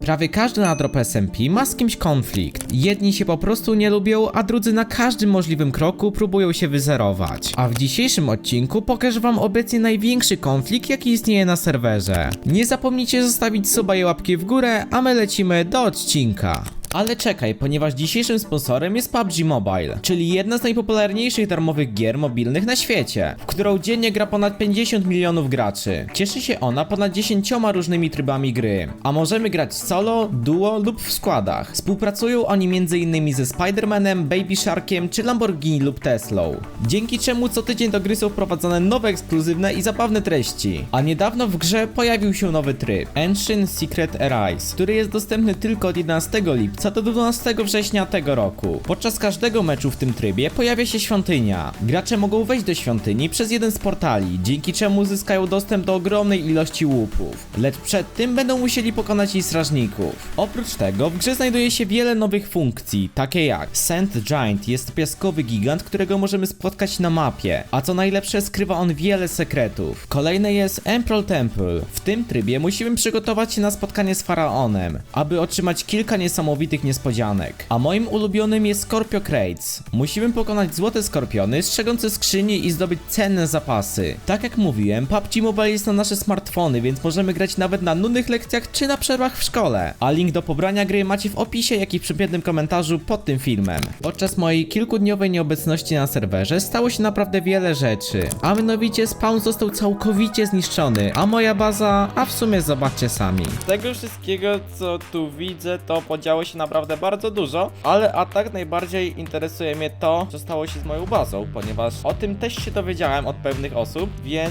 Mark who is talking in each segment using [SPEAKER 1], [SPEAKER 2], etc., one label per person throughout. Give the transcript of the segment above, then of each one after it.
[SPEAKER 1] Prawie każdy na drop SMP ma z kimś konflikt. Jedni się po prostu nie lubią, a drudzy na każdym możliwym kroku próbują się wyzerować. A w dzisiejszym odcinku pokażę wam obecnie największy konflikt, jaki istnieje na serwerze. Nie zapomnijcie zostawić suba i łapki w górę, a my lecimy do odcinka. Ale czekaj, ponieważ dzisiejszym sponsorem jest PUBG Mobile, czyli jedna z najpopularniejszych darmowych gier mobilnych na świecie, w którą dziennie gra ponad 50 milionów graczy. Cieszy się ona ponad 10 różnymi trybami gry, a możemy grać solo, duo lub w składach. Współpracują oni m.in. ze Spider-Manem, Baby Sharkiem czy Lamborghini lub Teslą. Dzięki czemu co tydzień do gry są wprowadzane nowe ekskluzywne i zabawne treści. A niedawno w grze pojawił się nowy tryb, Ancient Secret Arise, który jest dostępny tylko od 11 lipca do 12 września tego roku. Podczas każdego meczu w tym trybie pojawia się świątynia. Gracze mogą wejść do świątyni przez jeden z portali, dzięki czemu uzyskają dostęp do ogromnej ilości łupów. Lecz przed tym będą musieli pokonać jej strażników. Oprócz tego w grze znajduje się wiele nowych funkcji, takie jak Sand Giant, jest to piaskowy gigant, którego możemy spotkać na mapie, a co najlepsze skrywa on wiele sekretów. Kolejne jest Emerald Temple. W tym trybie musimy przygotować się na spotkanie z faraonem, aby otrzymać kilka niesamowitych niespodzianek. A moim ulubionym jest Scorpio Crates. Musimy pokonać złote skorpiony, strzegące skrzynie i zdobyć cenne zapasy. Tak jak mówiłem, PUBG Mobile jest na nasze smartfony, więc możemy grać nawet na nudnych lekcjach czy na przerwach w szkole. A link do pobrania gry macie w opisie, jak i w przypiętym komentarzu pod tym filmem. Podczas mojej kilkudniowej nieobecności na serwerze stało się naprawdę wiele rzeczy. A mianowicie spawn został całkowicie zniszczony, a moja baza, a w sumie zobaczcie sami.
[SPEAKER 2] Z tego wszystkiego, co tu widzę, to podziało się naprawdę bardzo dużo, ale a tak najbardziej interesuje mnie to, co stało się z moją bazą, ponieważ o tym też się dowiedziałem od pewnych osób, więc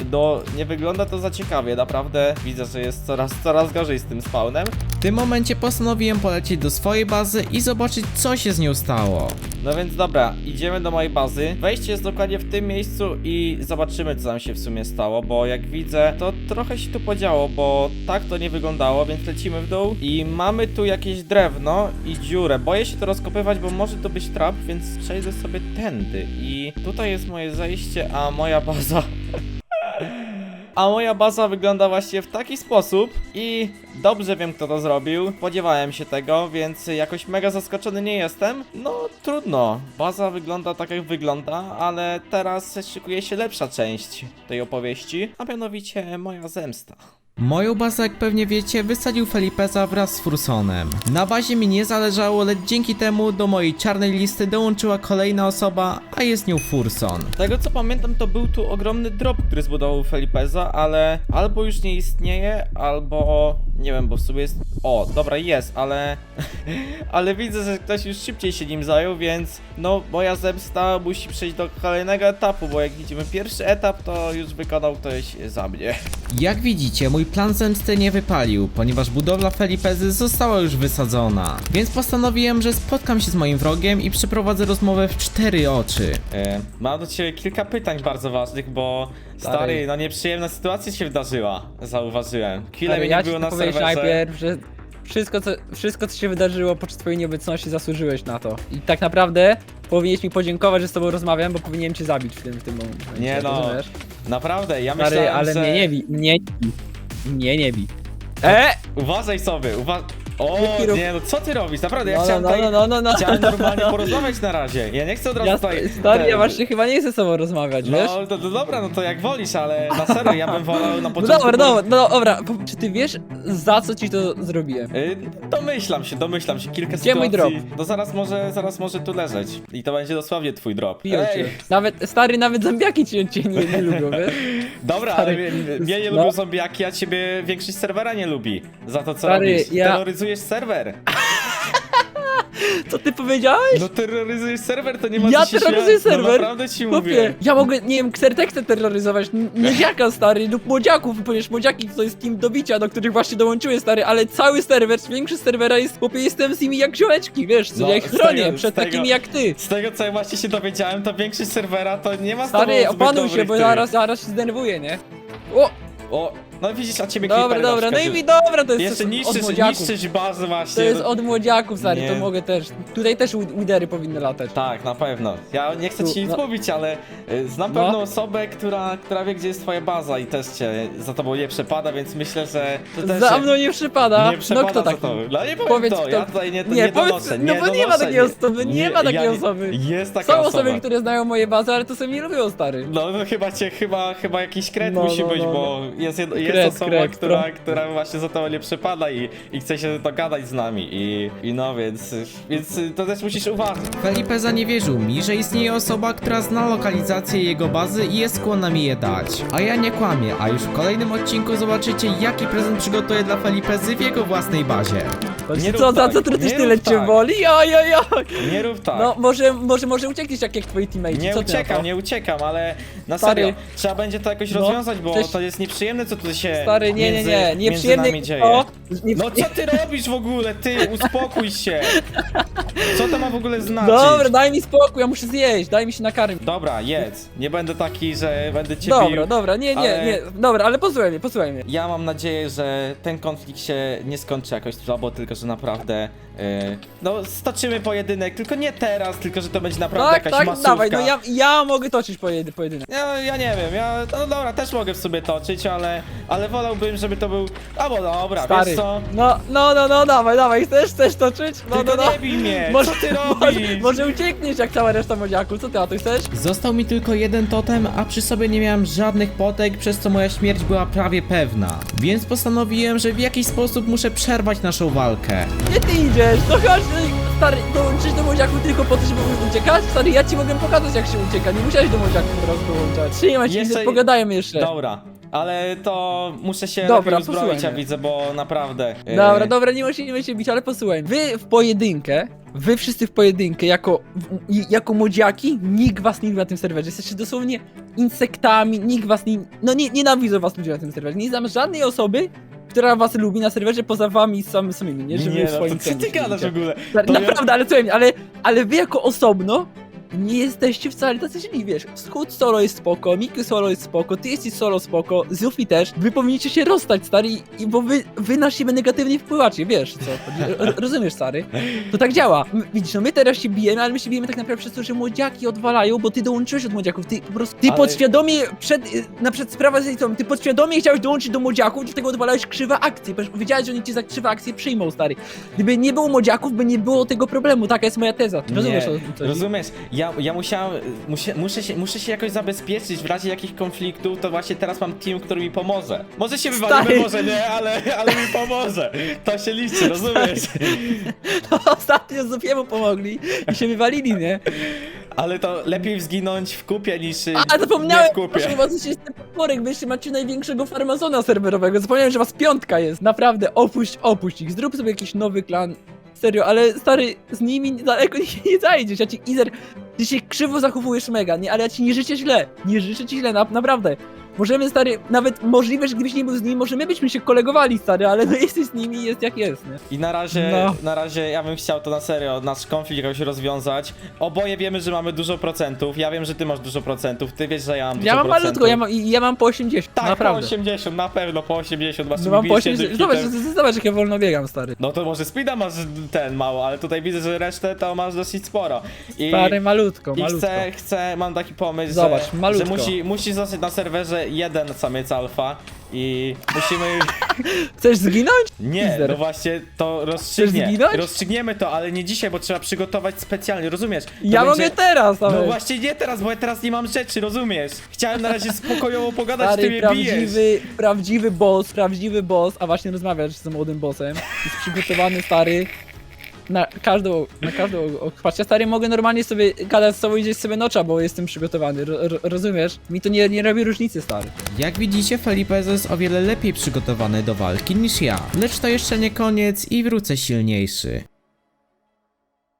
[SPEAKER 2] nie wygląda to za ciekawie, naprawdę widzę, że jest coraz gorzej z tym spawnem.
[SPEAKER 1] W tym momencie postanowiłem polecieć do swojej bazy i zobaczyć, co się z nią stało.
[SPEAKER 2] No więc dobra, idziemy do mojej bazy. Wejście jest dokładnie w tym miejscu i zobaczymy, co tam się w sumie stało, bo jak widzę, to trochę się tu podziało, bo tak to nie wyglądało, więc lecimy w dół i mamy tu jakieś drewno i dziurę. Boję się to rozkopywać, bo może to być trap, więc przejdę sobie tędy i tutaj jest moje zejście, a moja baza... A moja baza wygląda właśnie w taki sposób i dobrze wiem, kto to zrobił. Spodziewałem się tego, więc jakoś mega zaskoczony nie jestem. No trudno, baza wygląda tak jak wygląda, ale teraz szykuje się lepsza część tej opowieści, a mianowicie moja zemsta.
[SPEAKER 1] Moją bazę, jak pewnie wiecie, wysadził Felipeza wraz z Fursonem. Na bazie mi nie zależało, lecz dzięki temu do mojej czarnej listy dołączyła kolejna osoba, a jest nią Furson.
[SPEAKER 2] Z tego co pamiętam, to był tu ogromny drop, który zbudował Felipeza, ale albo już nie istnieje, albo... nie wiem, bo w sumie jest... O, dobra, jest, ale... ale widzę, że ktoś już szybciej się nim zajął, więc... no, moja zemsta musi przejść do kolejnego etapu, bo jak widzimy pierwszy etap, to już wykonał ktoś za mnie.
[SPEAKER 1] Jak widzicie, mój plan zemsty nie wypalił, ponieważ budowla Felipezy została już wysadzona. Więc postanowiłem, że spotkam się z moim wrogiem i przeprowadzę rozmowę w 4 oczy.
[SPEAKER 2] Mam do ciebie kilka pytań bardzo ważnych, bo... stary, no nieprzyjemna sytuacja się wydarzyła, zauważyłem. Chwilę mnie nie było na serwerze.
[SPEAKER 3] Najpierw, że wszystko co się wydarzyło podczas twojej nieobecności zasłużyłeś na to. I tak naprawdę powinieneś mi podziękować, że z tobą rozmawiam, bo powinienem cię zabić w tym momencie.
[SPEAKER 2] Nie no,
[SPEAKER 3] rozumiesz?
[SPEAKER 2] naprawdę, ja
[SPEAKER 3] Stary,
[SPEAKER 2] myślałem,
[SPEAKER 3] ale
[SPEAKER 2] że...
[SPEAKER 3] mnie nie bij, mnie nie bij.
[SPEAKER 2] Uważaj sobie, O, nie, no co ty robisz? Naprawdę, ja
[SPEAKER 3] No,
[SPEAKER 2] chciałem
[SPEAKER 3] no.
[SPEAKER 2] chciałem normalnie porozmawiać na razie. Ja nie chcę od razu tutaj...
[SPEAKER 3] Stary, ja właśnie chyba nie chcę z tobą rozmawiać, wiesz?
[SPEAKER 2] No, to dobra, no to jak wolisz, ale na serio, ja bym wolał na początku...
[SPEAKER 3] Dobra, czy ty wiesz, za co ci to zrobiłem?
[SPEAKER 2] Domyślam się, kilka
[SPEAKER 3] Gdzie
[SPEAKER 2] sytuacji.
[SPEAKER 3] mój drop?
[SPEAKER 2] No zaraz może tu leżeć. I to będzie dosłownie twój drop.
[SPEAKER 3] Biją cię. Nawet zombiaki cię nie lubią, wiesz?
[SPEAKER 2] Dobra,
[SPEAKER 3] Stary,
[SPEAKER 2] ale mnie nie lubią zombiaki, a ciebie większość serwera nie lubi. Za to co
[SPEAKER 3] Stary,
[SPEAKER 2] robisz. Terroryzujesz serwer.
[SPEAKER 3] Co ty powiedziałeś?
[SPEAKER 2] No terroryzujesz serwer, to nie ma
[SPEAKER 3] Ja
[SPEAKER 2] co się
[SPEAKER 3] terroryzuję
[SPEAKER 2] śmiać. No
[SPEAKER 3] serwer?
[SPEAKER 2] naprawdę ci
[SPEAKER 3] Chłopie,
[SPEAKER 2] mówię.
[SPEAKER 3] ja mogę, nie wiem, Xertexę terroryzować, młodziaka stary, lub młodziaków, ponieważ młodziaki to jest team do bicia, do których właśnie dołączyłem stary, ale cały serwer, większość serwera jest, chłopie, jestem z nimi jak ziomeczki, wiesz, co
[SPEAKER 2] No,
[SPEAKER 3] ja ich chronię
[SPEAKER 2] z
[SPEAKER 3] przed
[SPEAKER 2] tego-
[SPEAKER 3] takimi jak ty.
[SPEAKER 2] Z tego co ja właśnie się dowiedziałem, to większość serwera to nie ma z tobą
[SPEAKER 3] Stary,
[SPEAKER 2] zbyt
[SPEAKER 3] opanuj się,
[SPEAKER 2] dobrych
[SPEAKER 3] bo
[SPEAKER 2] tych.
[SPEAKER 3] zaraz się zdenerwuję, nie? O!
[SPEAKER 2] No widzisz, a ciebie
[SPEAKER 3] Dobra,
[SPEAKER 2] creepery na
[SPEAKER 3] dobra, no
[SPEAKER 2] przykład
[SPEAKER 3] i
[SPEAKER 2] już-
[SPEAKER 3] dobra, to jest
[SPEAKER 2] Jeszcze
[SPEAKER 3] od młodziaków.
[SPEAKER 2] niszczysz bazę właśnie.
[SPEAKER 3] To jest od młodziaków, stary,
[SPEAKER 2] Nie.
[SPEAKER 3] to mogę też. Tutaj też widery powinny latać.
[SPEAKER 2] Tak, na pewno. Ja nie chcę
[SPEAKER 3] Tu,
[SPEAKER 2] ci nic
[SPEAKER 3] no.
[SPEAKER 2] mówić, ale znam
[SPEAKER 3] No.
[SPEAKER 2] pewną osobę, która wie, gdzie jest twoja baza i też cię za tobą nie przepada, więc myślę, że to też
[SPEAKER 3] Za
[SPEAKER 2] się
[SPEAKER 3] mną nie przypada.
[SPEAKER 2] nie przepada
[SPEAKER 3] No kto
[SPEAKER 2] za
[SPEAKER 3] taki?
[SPEAKER 2] tobą. No nie powiem
[SPEAKER 3] Powiedz,
[SPEAKER 2] to,
[SPEAKER 3] kto-
[SPEAKER 2] ja tutaj nie
[SPEAKER 3] Nie, powiedz,
[SPEAKER 2] donoszę.
[SPEAKER 3] no bo nie ma
[SPEAKER 2] donoszę,
[SPEAKER 3] takiej osoby, nie ma takiej osoby.
[SPEAKER 2] Jest taka
[SPEAKER 3] Są
[SPEAKER 2] osoba.
[SPEAKER 3] osoby, które znają moje bazy, ale to sobie nie lubią, stary.
[SPEAKER 2] No chyba jakiś kret
[SPEAKER 3] No,
[SPEAKER 2] musi
[SPEAKER 3] no,
[SPEAKER 2] być,
[SPEAKER 3] no,
[SPEAKER 2] bo jest
[SPEAKER 3] Kret,
[SPEAKER 2] osoba,
[SPEAKER 3] kret,
[SPEAKER 2] która właśnie za to nie przypada i chce się dogadać z nami i no więc to też musisz uważać.
[SPEAKER 1] Felipe zaniewierzył mi, że istnieje osoba, która zna lokalizację jego bazy i jest skłonna mi je dać. A ja nie kłamię, a już w kolejnym odcinku zobaczycie, jaki prezent przygotuję dla Felipezy w jego własnej bazie.
[SPEAKER 2] Nie
[SPEAKER 3] Co,
[SPEAKER 2] rób
[SPEAKER 3] za
[SPEAKER 2] tak,
[SPEAKER 3] co ty
[SPEAKER 2] nie
[SPEAKER 3] tyle
[SPEAKER 2] rób
[SPEAKER 3] cię
[SPEAKER 2] tak.
[SPEAKER 3] boli? Ojojoj!
[SPEAKER 2] Nie rób tak.
[SPEAKER 3] No, może uciekniesz jak twoi teammates.
[SPEAKER 2] Nie
[SPEAKER 3] co ty na to?
[SPEAKER 2] uciekam, nie uciekam, ale na
[SPEAKER 3] Stary.
[SPEAKER 2] serio, trzeba będzie to jakoś
[SPEAKER 3] No,
[SPEAKER 2] rozwiązać, bo
[SPEAKER 3] przecież-
[SPEAKER 2] to jest nieprzyjemne, co tu się
[SPEAKER 3] Stary, nie,
[SPEAKER 2] między
[SPEAKER 3] nieprzyjemnie
[SPEAKER 2] nami dzieje.
[SPEAKER 3] to. Nie,
[SPEAKER 2] No co ty robisz w ogóle? Ty, uspokój się! Co to ma w ogóle znaczyć?
[SPEAKER 3] Dobra, daj mi spokój, ja muszę zjeść, daj mi się nakarmić.
[SPEAKER 2] Dobra, jedz. Nie będę taki, że będę cię
[SPEAKER 3] Dobra,
[SPEAKER 2] bił.
[SPEAKER 3] dobra, nie,
[SPEAKER 2] ale-
[SPEAKER 3] nie, dobra, ale posłuchaj mnie.
[SPEAKER 2] Ja mam nadzieję, że ten konflikt się nie skończy jakoś słabo, tylko że naprawdę no stoczymy pojedynek, tylko nie teraz, tylko że to będzie naprawdę
[SPEAKER 3] Tak,
[SPEAKER 2] jakaś
[SPEAKER 3] tak,
[SPEAKER 2] masówka.
[SPEAKER 3] dawaj, no ja mogę toczyć pojedynek.
[SPEAKER 2] Ja nie wiem, no dobra, też mogę w sobie toczyć, ale wolałbym, żeby to był... Albo dobra,
[SPEAKER 3] Stary,
[SPEAKER 2] wiesz co?
[SPEAKER 3] no, dawaj, chcesz toczyć? No,
[SPEAKER 2] Tylko
[SPEAKER 3] no.
[SPEAKER 2] nie bij mnie,
[SPEAKER 3] Może,
[SPEAKER 2] co ty robisz?
[SPEAKER 3] może uciekniesz jak cała reszta młodziaków, co ty, a ty chcesz?
[SPEAKER 1] Został mi tylko jeden totem, a przy sobie nie miałem żadnych potek, przez co moja śmierć była prawie pewna. Więc postanowiłem, że w jakiś sposób muszę przerwać naszą walkę.
[SPEAKER 3] Gdzie ty idziesz? No chodź, stary, dołączysz do młodziaków tylko po to, żeby uciekać? Stary, ja ci mogę pokazać jak się ucieka, nie musiałeś do młodziaków teraz dołączać. Trzymaj się,
[SPEAKER 2] Jeszcze-
[SPEAKER 3] pogadajmy jeszcze.
[SPEAKER 2] Dobra, ale to muszę się
[SPEAKER 3] Dobra,
[SPEAKER 2] lepiej uzbroić,
[SPEAKER 3] posłuchaj
[SPEAKER 2] ja
[SPEAKER 3] mnie.
[SPEAKER 2] widzę, bo naprawdę...
[SPEAKER 3] Dobra, nie musimy się bić, ale posłuchaj. Wy wszyscy w pojedynkę, jako młodziaki, nikt was nie lubi na tym serwerze. Jesteście dosłownie insektami, nikt was nie... No nienawidzą was ludzie na tym serwerze. Nie znam żadnej osoby, która was lubi na serwerze poza wami samymi, nie? Że wy
[SPEAKER 2] Nie,
[SPEAKER 3] w
[SPEAKER 2] no
[SPEAKER 3] swoim
[SPEAKER 2] to co ty
[SPEAKER 3] kręgu
[SPEAKER 2] gadasz w
[SPEAKER 3] siedzicie.
[SPEAKER 2] ogóle?
[SPEAKER 3] Stary,
[SPEAKER 2] To ja-
[SPEAKER 3] Naprawdę, ale słuchaj mnie, ale wy jako osobno nie jesteście wcale tacy źli, wiesz. Scoot solo jest spoko, Miku solo jest spoko, ty jesteś solo spoko, Zufi też. Wy powinniście się rozstać, stary, bo wy na siebie negatywnie wpływacie, wiesz co chodzi. Rozumiesz, stary? To tak działa. Widzisz, no my teraz się bijemy, ale my się bijemy tak naprawdę przez to, że młodziaki odwalają, bo ty dołączyłeś od młodziaków, ty po prostu, ty
[SPEAKER 2] Ale-
[SPEAKER 3] podświadomie, przed sprawą z tą, ty podświadomie chciałeś dołączyć do młodziaków, dlatego odwalałeś krzywe akcje, ponieważ wiedziałeś, że oni cię za krzywe akcje przyjmą, stary. Gdyby nie było młodziaków, by nie było tego problemu, taka jest moja teza. Rozumiesz,
[SPEAKER 2] Nie,
[SPEAKER 3] o co chodzi?
[SPEAKER 2] rozumiesz, ja muszę się jakoś zabezpieczyć w razie jakichś konfliktów, to właśnie teraz mam team, który mi pomoże. Może się wywalimy,
[SPEAKER 3] Stary.
[SPEAKER 2] może nie, ale mi pomoże. To się liczy, rozumiesz?
[SPEAKER 3] No, ostatnio Zufiemu pomogli i się wywalili, nie?
[SPEAKER 2] Ale to lepiej zginąć w kupie niż
[SPEAKER 3] A, zapomniałem,
[SPEAKER 2] nie w kupie.
[SPEAKER 3] proszę was, że jestem potworek, wy jeszcze macie największego farmazona serwerowego. Zapomniałem, że was piątka jest. Naprawdę, opuść ich, zrób sobie jakiś nowy klan. Serio, ale stary, z nimi daleko nie zajdziesz. Ja ci, Izer, ty się krzywo zachowujesz mega, nie? Ale ja ci nie życzę źle. Nie życzę ci źle, naprawdę. Możemy, stary, nawet możliwe, że gdybyś nie był z nimi, może my byśmy się kolegowali, stary, ale no jesteś z nimi i jest jak jest, nie?
[SPEAKER 2] I
[SPEAKER 3] No.
[SPEAKER 2] na razie ja bym chciał to na serio, nasz konflikt jakoś rozwiązać. Oboje wiemy, że mamy dużo procentów. Ja wiem, że ty masz dużo procentów. Ty wiesz, że ja mam dużo
[SPEAKER 3] Ja mam
[SPEAKER 2] procentów.
[SPEAKER 3] malutko, ja mam po 80,
[SPEAKER 2] Tak,
[SPEAKER 3] naprawdę.
[SPEAKER 2] po 80, na pewno po 80. Masz
[SPEAKER 3] No mam po
[SPEAKER 2] bijecie
[SPEAKER 3] 80,
[SPEAKER 2] hitem.
[SPEAKER 3] zobacz jak ja wolno biegam, stary.
[SPEAKER 2] No to może speeda masz ten mało, ale tutaj widzę, że resztę to masz dosyć sporo.
[SPEAKER 3] Stary, malutko.
[SPEAKER 2] I mam taki pomysł,
[SPEAKER 3] Zobacz,
[SPEAKER 2] że
[SPEAKER 3] malutko.
[SPEAKER 2] musi zostać na serwerze jeden samiec alfa i musimy...
[SPEAKER 3] Chcesz zginąć?
[SPEAKER 2] Nie,
[SPEAKER 3] Izer.
[SPEAKER 2] no właśnie to
[SPEAKER 3] Chcesz zginąć?
[SPEAKER 2] rozstrzygniemy to, ale nie dzisiaj, bo trzeba przygotować specjalnie, rozumiesz? To
[SPEAKER 3] Ja mogę teraz, ale...
[SPEAKER 2] No właśnie nie teraz, bo ja teraz nie mam rzeczy, rozumiesz? Chciałem na razie spokojowo pogadać, ty
[SPEAKER 3] Stary,
[SPEAKER 2] mnie bijesz.
[SPEAKER 3] prawdziwy boss, a właśnie rozmawiasz z młodym bossem. Jest przygotowany, stary, na każdą patrz, stary, mogę normalnie sobie gadać z sobą i gdzieś sobie nocza, bo jestem przygotowany, rozumiesz? Mi to nie robi różnicy, stary.
[SPEAKER 1] Jak widzicie, Felipe jest o wiele lepiej przygotowany do walki niż ja. Lecz to jeszcze nie koniec i wrócę silniejszy.